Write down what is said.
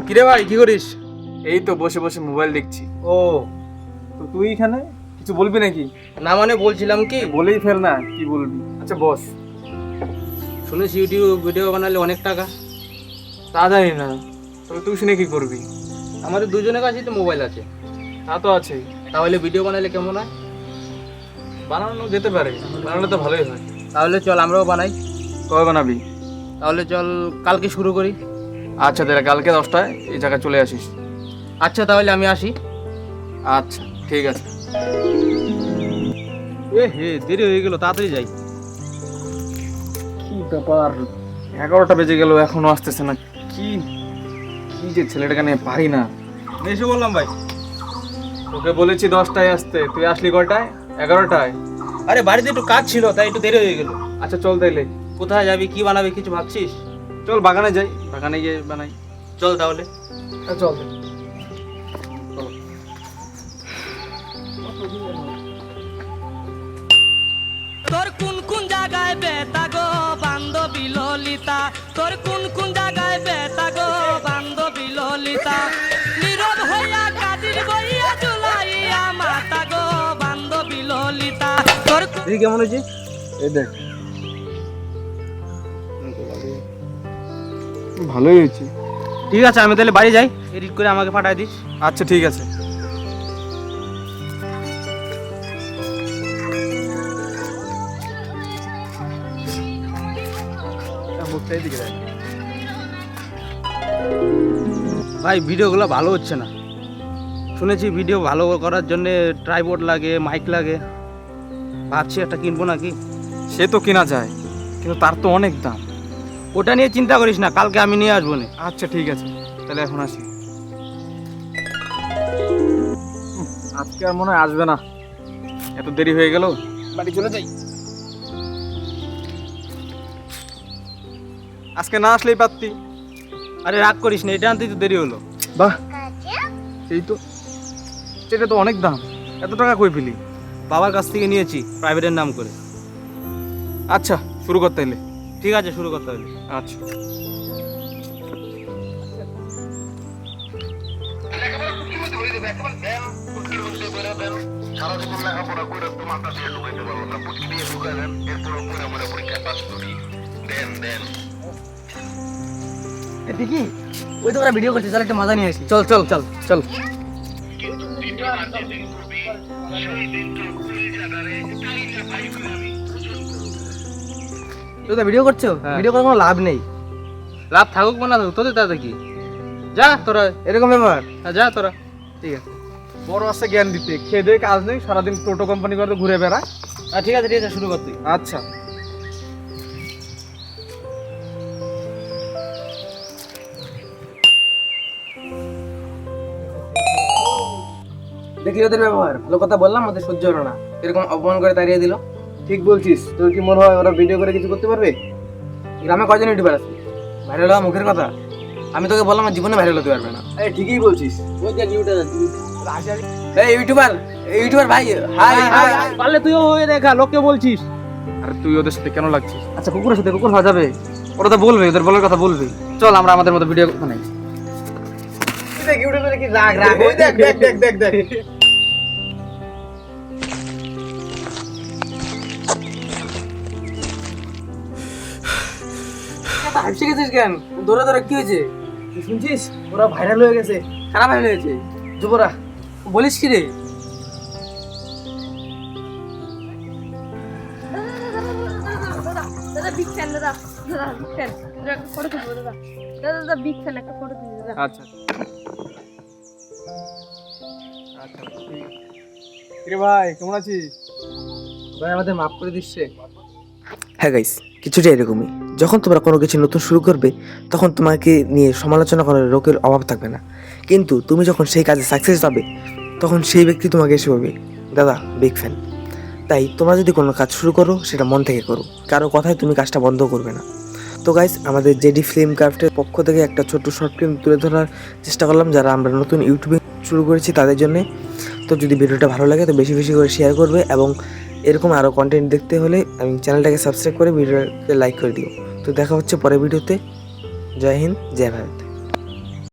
কিরে ভাই কি করিস? এই তো বসে বসে মোবাইল দেখছি। ও তো তুই এখানে কিছু বলবি নাকি? না মানে বলছিলাম কি, বলেই ফেল না, কি বলবি? আচ্ছা বস। শুনেছি ইউটিউব ভিডিও বানালে অনেক টাকা। তা জানি না, তবে তুই শুনে কি করবি? আমাদের দুজনের কাছেই তো মোবাইল আছে, তা তো আছেই, তাহলে ভিডিও বানালে কেমন হয়? বানানো যেতে পারে, বানালে তো ভালোই হয়। তাহলে চল আমরাও বানাই। কবে বানাবি? তাহলে চল কালকে শুরু করি। আচ্ছা তাহলে কালকে 10টায় এই জায়গায় চলে আসিস। আচ্ছা তাহলে আমি আসি। আচ্ছা ঠিক আছে। হে দেরি হয়ে গেল, তাড়াতাড়ি যাই। কি ব্যাপার, 11টা বেজে গেল এখনো আসতেছে না। কি কি যে ছেলেটাকে নিয়ে পারি না। এসে বললাম ভাই। তোকে বলেছি 10টায় আসতে, তুই আসলি কয়টায়? 11টায়। আরে বাড়িতে একটু কাজ ছিল তাই একটু দেরি হয়ে গেল। আচ্ছা চল তাইলে, কোথায় যাবি, কি বানাবি, কিছু ভাবছিস? চল বাগানে যাই, বাগানে গিয়ে বানাই। চল তাহলে। চল। তোর কোন কোন জায়গায় বেতা গো বান্ধবী ললিতা, তোর কোন কোন জায়গায় বেতা গো বান্ধবী ললিতা, নীরব হইয়া কাদির বইয়া জুলাইয়া মাতা গো বান্ধবী ললিতা, তোর দেখি কেমন হয়েছে। এই দেখ, ভালোই হয়েছে। ঠিক আছে আমি তাহলে বাড়ি যাই, এডিট করে আমাকে পাঠাই দিস। আচ্ছা ঠিক আছে। ভাই ভিডিওগুলো ভালো হচ্ছে না। শুনেছি ভিডিও ভালো করার জন্য ট্রাইপড লাগে, মাইক লাগে। ভাবছি একটা কিনবো নাকি। সে তো কেনা যায়, কিন্তু তার তো অনেক দাম। ওটা নিয়ে চিন্তা করিস না, কালকে আমি নিয়ে আসবো না। আচ্ছা ঠিক আছে, তাহলে এখন আসি। আজকে আর মনে হয় আসবে না, এত দেরি হয়ে গেল, বাড়ি চলে যাই। আজকে না আসলেই পারতি। আরে রাগ করিস না, এটা আনতেই তো দেরি হলো। বাহ, এই তো, সেটা তো অনেক দাম। এত টাকা কই পেলি? বাবার কাছ থেকে নিয়েছি প্রাইভেটের নাম করে। আচ্ছা শুরু করতে এলে। ঠিক আছে শুরু করতে হবে। আচ্ছা। দেখি ওই তো ওরা ভিডিও করছে, চল একটা মজা নিয়ে আসি। চল চল চল চল। তুই তো ভিডিও করছো, হ্যাঁ। ভিডিও করার কোনো লাভ নেই। লাভ থাকুক বা না থাকুক, তোদের তাতে কি। যা তোরা, এরকম ব্যাপার। যা তোরা। ঠিক আছে। বড় আছে জ্ঞান দিতে, খেয়ে দিয়ে কাজ নেই, সারাদিন টোটো কোম্পানি করে ঘুরে বেড়া। ঠিক আছে ঠিক আছে, শুরু কর তুই। আচ্ছা। দেখলি ওদের ব্যবহার, ভালো কথা বললাম ওদের সহ্য হলো না, এরকম অপমান করে তাড়িয়ে দিল। ঠিক বলছিস, তোর কি মনে হয় ওরা ভিডিও করে কিছু করতে পারবে? গ্রামে কয়জন ইউটিউবার আছে, ভাইরাল হওয়া মুখের কথা। আমি তোকে বললাম আমার জীবনে ভাইরাল হতে পারবে না। এই ঠিকই বলছিস। এই ইউটিউবার, ইউটিউবার ভাই, হাই হাই। পারলে তুইও হয়ে দেখা, লোককে বলছিস। আরে তুই ওদের সাথে কেন লাগছিস? আচ্ছা কুকুরের সাথে কুকুর হওয়া যাবে? ওরা তো বলবে, ওদের বলার কথা বলবে। চল আমরা আমাদের মতো ভিডিও বানাই। দেখ ইউটিউবে কি রাগ রাগ, ওই দেখ দেখ দেখ দেখ দেখ। হাসি গেছিস কেন? দৌড়ে দৌড়ে কি হয়েছে? তুই শুনছিস ওরা ভাইরাল হয়ে গেছে? খারাপ ভাইরাল হয়েছে যুবরা, বলিস কি রে? দাদা বিগ ফ্যান, দাদা দাদা বিগ ফ্যান, দাদা ফটো তুলবো দাদা, দাদা দাদা বিগ ফ্যান, একটা ফটো তুলি দাদা। আচ্ছা আচ্ছা ঠিক আছে। কিরে ভাই কেমন আছিস? ভাই আমাদের মাফ করে দিচ্ছে। হ্যাঁ গাইস, কিছুটা এরকমই। যখন তোমরা কোনো কিছু নতুন শুরু করবে তখন তোমাকে নিয়ে সমালোচনা করার লোকের অভাব থাকবে না, কিন্তু তুমি যখন সেই কাজে সাকসেস পাবে তখন সেই ব্যক্তি তোমাকে এসে বলবে দাদা বিগ ফ্যান। তাই তোমরা যদি কোনো কাজ শুরু করো সেটা মন থেকে করো, কারো কথায় তুমি কাজটা বন্ধ করবে না। তো গাইস, আমাদের জেডি ফিল্ম ক্রাফটের পক্ষ থেকে একটা ছোট্ট শর্ট ফিল্ম তুলে ধরার চেষ্টা করলাম যারা আমরা নতুন ইউটিউবে শুরু করেছি তাদের জন্যে। তো যদি ভিডিওটা ভালো লাগে তো বেশি বেশি করে শেয়ার করবে, এবং এরকম আরও কন্টেন্ট দেখতে হলে আমি চ্যানেলটাকে সাবস্ক্রাইব করে ভিডিওটাকে লাইক করে দিও। তো দেখা হচ্ছে পরের ভিডিওতে। জয় হিন্দ, জয় ভারত।